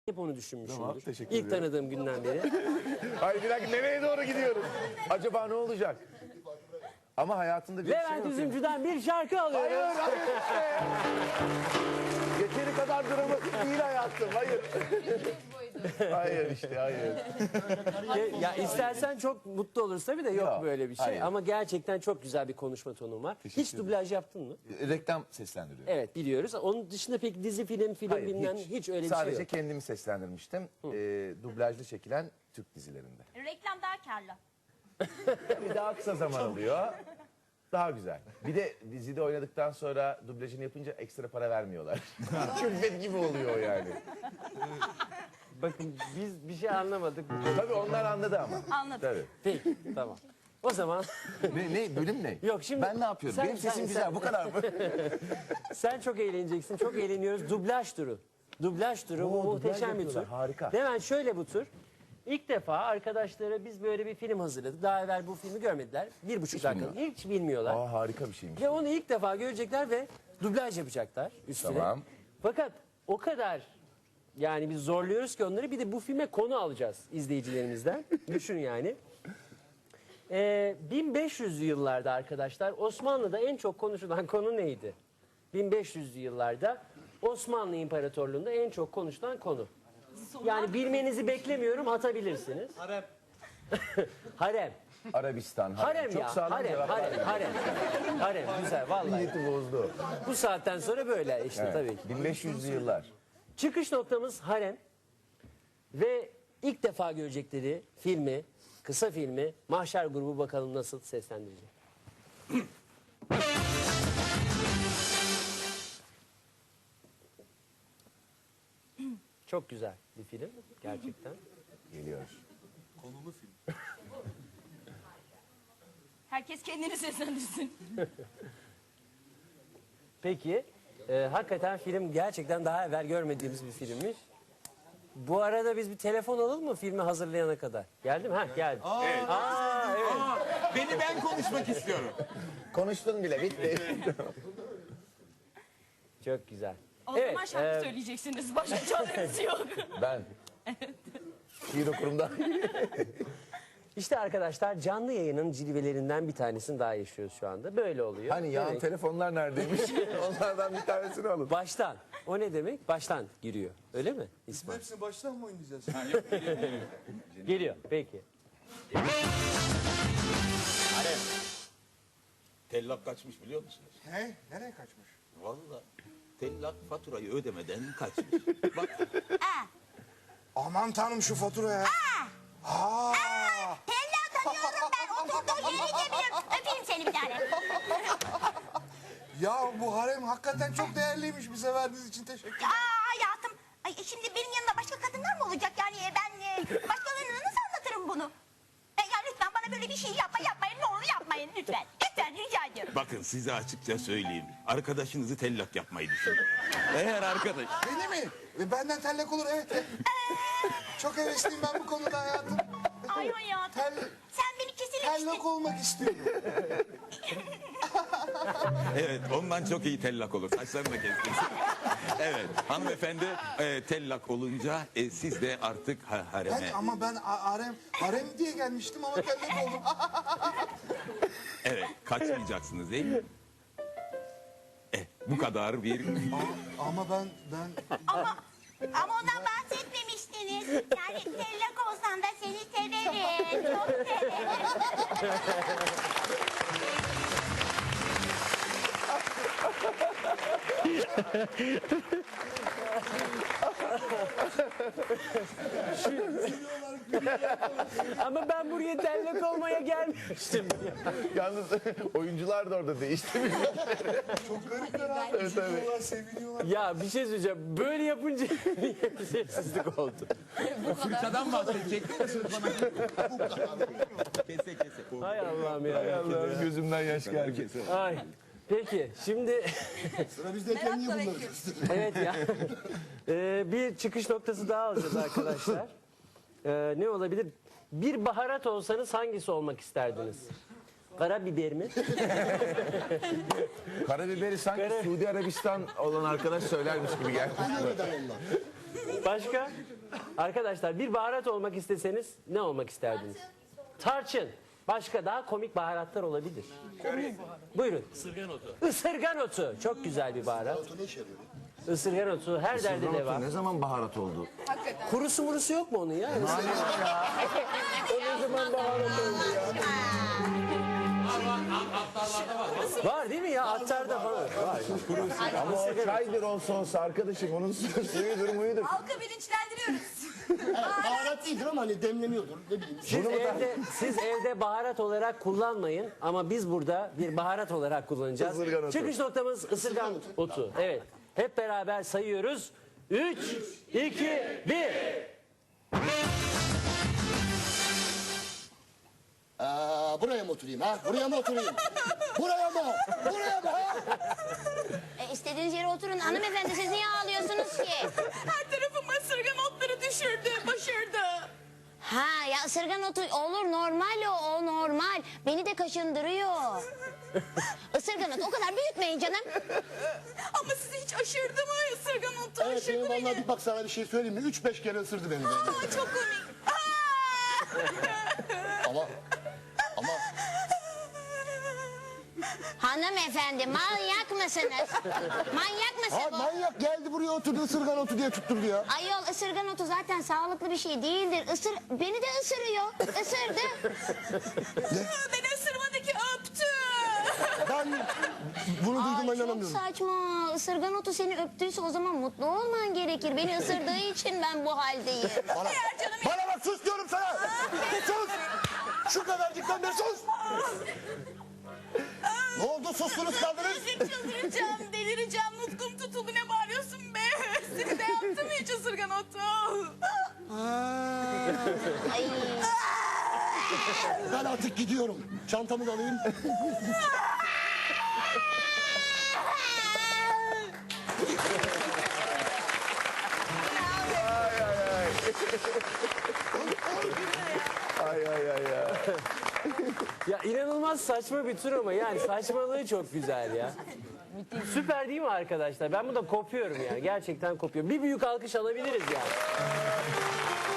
hep onu düşünmüşümdür. Tamam, teşekkür İlk ediyorum. tanıdığım günden beri. Hayır bir dakika, nereye doğru gidiyoruz? Acaba ne olacak? Ama hayatında bir şey Levent yok. Üzümcü'den bir şarkı Hayır, alıyoruz. hayır işte. Yeteri kadar dramatik değil hayatım, hayır. Hayır işte, hayır. Ya istersen çok mutlu oluruz tabii de yok Yok, böyle bir şey. hayır. Ama gerçekten çok güzel bir konuşma tonun var. Hiç dublaj yaptın mı? Reklam seslendiriyor. Evet biliyoruz. Onun dışında peki dizi, film Hayır, bilmem hiç öyle bir Sadece şey yok. kendimi seslendirmiştim. Dublajlı çekilen Türk dizilerinde. Reklam daha karlı. Bir daha kısa zaman alıyor. Daha güzel. Bir de dizide oynadıktan sonra dublajını yapınca ekstra para vermiyorlar. Külfet gibi oluyor yani. Bakın biz bir şey anlamadık. Tabii onlar anladı ama. Anladım. Tabii. Peki tamam. O zaman Ne bölüm ne? Yok, şimdi ben ne yapıyorum? sen- Benim sesim sen- güzel, sen- bu kadar mı? sen çok eğleneceksin. Çok eğleniyoruz. Dublaj turu. Dublaj turu bu Oo, dublaj muhteşem bir tur. yapıyorlar, harika. Hemen şöyle bu tur. İlk defa arkadaşlara biz böyle bir film hazırladık. Daha evvel bu filmi görmediler. 1,5 dakika. bilmiyorlar. Hiç bilmiyorlar. Aa, harika bir şeymiş. Ve onu ilk defa görecekler ve dublaj yapacaklar üstüne. Tamam. Fakat o kadar yani biz zorluyoruz ki onları, bir de bu filme konu alacağız izleyicilerimizden. Düşün yani. 1500'lü yıllarda arkadaşlar Osmanlı'da en çok konuşulan konu neydi? 1500'lü yıllarda Osmanlı İmparatorluğu'nda en çok konuşulan konu. Yani bilmenizi beklemiyorum, atabilirsiniz. Harem. Harem. Arabistan. Harem Çok ya. sağlam Harem, cevaplar harem, verdi. harem. Harem, güzel vallahi. Niyeti bozdu. Bu saatten sonra böyle işte Evet. tabii ki. 1500'lü yıllar. Çıkış noktamız harem ve ilk defa görecekleri filmi, kısa filmi Mahşer grubu bakalım nasıl seslendirecek. Çok güzel bir film gerçekten. Geliyor. Herkes kendini seslendirsin. Peki hakikaten film gerçekten daha evvel görmediğimiz bir filmmiş. Bu arada biz bir telefon alalım mı filmi hazırlayana kadar? Geldi mi? Ha geldi. Evet. Beni ben konuşmak istiyorum. Konuştun bile, bitti. Çok güzel. O zaman şarkı söyleyeceksiniz. Başka çareniz yok. Ben. Şiir okurumda. İşte arkadaşlar canlı yayının cilvelerinden bir tanesini daha yaşıyoruz şu anda. Böyle oluyor. Hani ya Evet. telefonlar neredeymiş? Onlardan bir tanesini alın. Baştan. O ne demek? Baştan giriyor. Öyle mi İsmail? Hepsini baştan mı oynayacağız? Geliyor. Peki. Tellak kaçmış biliyor musunuz? He? Nereye kaçmış? Vallahi tellak faturayı ödemeden kaçmış. Bak Aman tanrım şu faturaya. Aa! Tella tanıyorum ben. Oturduğu yeri de biliyorum. Öpeyim seni bir tane. Ya bu harem hakikaten çok değerliymiş. Bize verdiğiniz için teşekkür ederim. Hayatım. Ay, şimdi benim yanımda başka kadınlar mı olacak? Yani ben başkalarına nasıl anlatırım bunu? Ya lütfen bana böyle bir şey yapmayın. Ne olur yapmayın lütfen. Lütfen rica ediyorum. bakın size açıkça söyleyeyim. Arkadaşınızı tellak yapmayı düşünün. Eğer arkadaş... Beni mi? Benden tellak olur evet. Çok hevesliyim ben bu konuda hayatım. Ay hayatım. Sen beni kesinlikle Tellak olmak istiyorum. Evet ondan çok iyi tellak olur. Saçlarını da kestirsin. Evet hanımefendi tellak olunca siz de artık hareme... Ben harem diye gelmiştim ama tellak oldum. Evet kaçmayacaksınız değil mi? Bu kadar bir... Ama ben Ama ondan bahsetmemiştiniz. Yani tellak olsan da seni severim. Çok severim. Ama ben buraya tellak olmaya gelmiştim. Yalnız oyuncular da orada değişti. çok garipler abi. Seviniyorlar, seviniyorlar. Ya bir şey söyleyeceğim. Böyle yapınca bir sessizlik oldu. Fırçadan bahsedecektim de söz bana... Kese kese. Hay Allah'ım ya. Allah'ım gözümden yaş geldi. Ay. Peki şimdi Sıra bizdeyken niye bunları kastırıyor? evet ya. Bir çıkış noktası daha alacağız arkadaşlar. Ne olabilir? Bir baharat olsanız hangisi olmak isterdiniz? Karabiber mi? Karabiberi sanki Suudi Arabistan olan arkadaş söylermiş gibi geldi. Başka? Arkadaşlar bir baharat olmak isteseniz ne olmak isterdiniz? Tarçın. Başka daha komik baharatlar olabilir. Buyurun. Isırgan otu. Isırgan otu. Çok güzel bir baharat. Ne işe yarıyor? Isırgan otu her derde deva. Ne zaman baharat oldu? Kurusu murusu yok mu onun ya? Var değil mi ya? Attarda falan. Var. Ama o çaydır olsa arkadaşım. Onun suyudur muyudur. Halkı bilinçlendiriyoruz. Baharat değildir ama hani demleniyordur. Ne bileyim. Siz evde baharat olarak kullanmayın ama biz burada bir baharat olarak kullanacağız. Isırgan otu. Çıkış noktamız ısırgan otu. Evet. Hep beraber sayıyoruz. 3, 2, 1. Buraya mı oturayım ha? Buraya mı oturayım? Buraya mı? Buraya mı ha? İstediğiniz yere oturun. Hanımefendi siz niye ağlıyorsunuz ki? Her tarafıma ısırgan otları düşürdü, başardı. Ha ya ısırgan otu olur normal o normal. Beni de kaşındırıyor. Isırgan otu o kadar büyütmeyin canım. Ama sizi hiç aşırdı mı ısırgan otu? Evet Aşırdı benim beni. vallahi bak sana bir şey söyleyeyim mi? 3-5 kere ısırdı beni. Aa, çok komik. Ama Hanımefendi manyak mısınız? Manyak mısın bu? manyak geldi buraya oturdu ısırgan otu diye tutturdu ya. Ayol ısırgan otu zaten sağlıklı bir şey değildir. Beni de ısırıyor. Isırdı. Beni ısırmadı ki öptü. Ben bunu duyduğuma Ay, çok inanamıyorum. saçma. Isırgan otu seni öptüyse o zaman mutlu olman gerekir. Beni ısırdığı için ben bu haldeyim. Bana bak sus diyorum sana. Sus. Şu kadarcıktan beri sus. Ne oldu sustunuz kaldınız? Çıldıracağım, delireceğim. Nutkum tutuldu, ne bağırıyorsun be? Seni de yaptı mı hiç ısırgan otu? Ay. Ben artık gidiyorum. Çantamı da alayım. Ay ay ay ya. Ya inanılmaz saçma bir tur ama yani saçmalığı çok güzel ya. Süper değil mi arkadaşlar? Ben burada kopuyorum yani. Gerçekten kopuyorum. Bir büyük alkış alabiliriz yani.